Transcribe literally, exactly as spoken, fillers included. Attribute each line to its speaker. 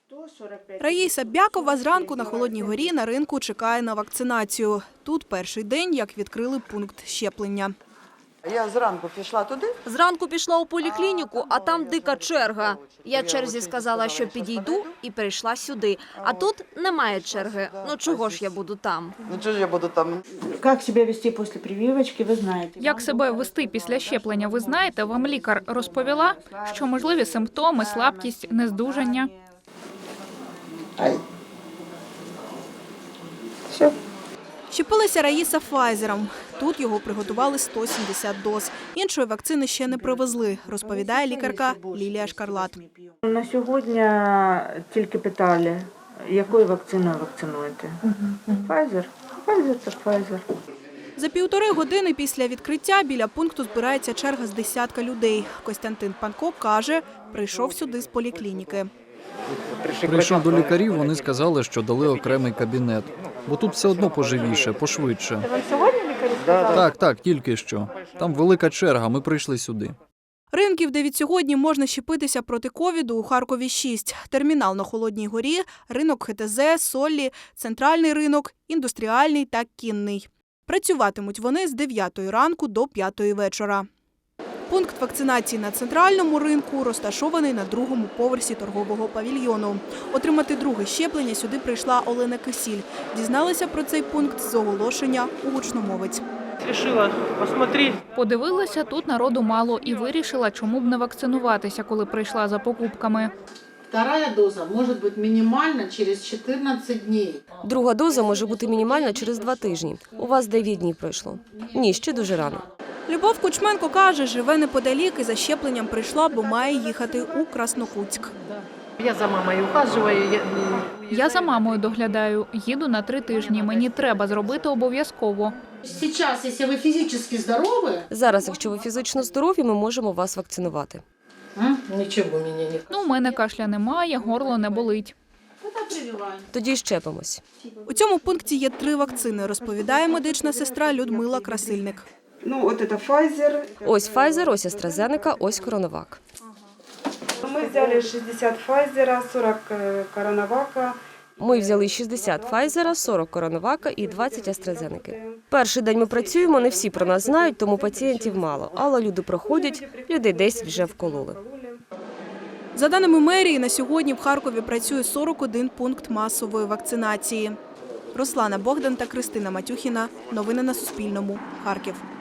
Speaker 1: Раїса Бякова зранку на Холодній горі на ринку чекає на вакцинацію. Тут перший день, як відкрили пункт щеплення.
Speaker 2: Я зранку пішла туди.
Speaker 3: Зранку пішла у поліклініку, а там дика черга. Я черзі сказала, що підійду, і прийшла сюди. А тут немає черги. Ну чого ж я буду там?
Speaker 2: Ну чого ж я буду там?
Speaker 4: Як себе вести після прививочки, ви знаєте.
Speaker 5: Як себе вести після щеплення, ви знаєте? Вам лікар розповіла, що можливі симптоми, слабкість, нездужання.
Speaker 2: Все.
Speaker 1: Щепилася Раїса Файзером. Тут його приготували сто сімдесят доз. Іншої вакцини ще не привезли, розповідає лікарка Лілія Шкарлат.
Speaker 4: На сьогодні тільки питали, якою вакциною вакцинуєте. Pfizer? Pfizer – це Pfizer.
Speaker 1: За півтори години після відкриття біля пункту збирається черга з десятка людей. Костянтин Панко каже, прийшов сюди з поліклініки.
Speaker 6: Прийшов до лікарів, вони сказали, що дали окремий кабінет. Бо тут все одно поживіше, пошвидше.
Speaker 4: Вам сьогодні лікарі сказали?
Speaker 6: Так, так, тільки що. Там велика черга, ми прийшли сюди.
Speaker 1: Ринків, де від сьогодні можна щепитися проти ковіду, у Харкові шість. Термінал на Холодній горі, ринок ХТЗ, Соллі, центральний ринок, індустріальний та кінний. Працюватимуть вони з дев'ятої ранку до п'ятої вечора. Пункт вакцинації на центральному ринку розташований на другому поверсі торгового павільйону. Отримати друге щеплення сюди прийшла Олена Кисіль. Дізналася про цей пункт з оголошення у гучномовець.
Speaker 7: Решила посмотреть.
Speaker 5: Подивилася, тут народу мало і вирішила, чому б не вакцинуватися, коли прийшла за покупками.
Speaker 8: Вторая доза может быть минимальна через чотирнадцять днів.
Speaker 9: Друга доза може бути мінімальна через два тижні. У вас дев'ять днів пройшло. Ні, ще дуже рано.
Speaker 1: Любов Кучменко каже, живе неподалік і за щепленням прийшла, бо має їхати у Краснокутськ.
Speaker 7: Я за мамою ухаживаю. Я...
Speaker 5: Я за мамою доглядаю, їду на три тижні, мені треба зробити обов'язково.
Speaker 8: Зараз, якщо ви фізично здорові...
Speaker 9: Зараз, якщо ви фізично здорові, ми можемо вас вакцинувати.
Speaker 8: Нічого мені не...
Speaker 5: Ну, у мене кашля немає, горло не болить.
Speaker 9: Тоді щепимось.
Speaker 1: У цьому пункті є три вакцини, розповідає медична сестра Людмила Красильник.
Speaker 4: Ну, от це Pfizer.
Speaker 9: Ось Pfizer, ось AstraZeneca, ось CoronaVac.
Speaker 4: Ми взяли шістдесят Pfizer, сорок CoronaVac.
Speaker 9: Ми взяли шістдесят Pfizer, сорок CoronaVac і двадцять AstraZeneca. Перший день ми працюємо, не всі про нас знають, тому пацієнтів мало. Але люди проходять, людей десь вже вкололи.
Speaker 1: За даними мерії, на сьогодні в Харкові працює сорок один пункт масової вакцинації. Руслана Богдан та Кристина Матюхіна. Новини на Суспільному. Харків.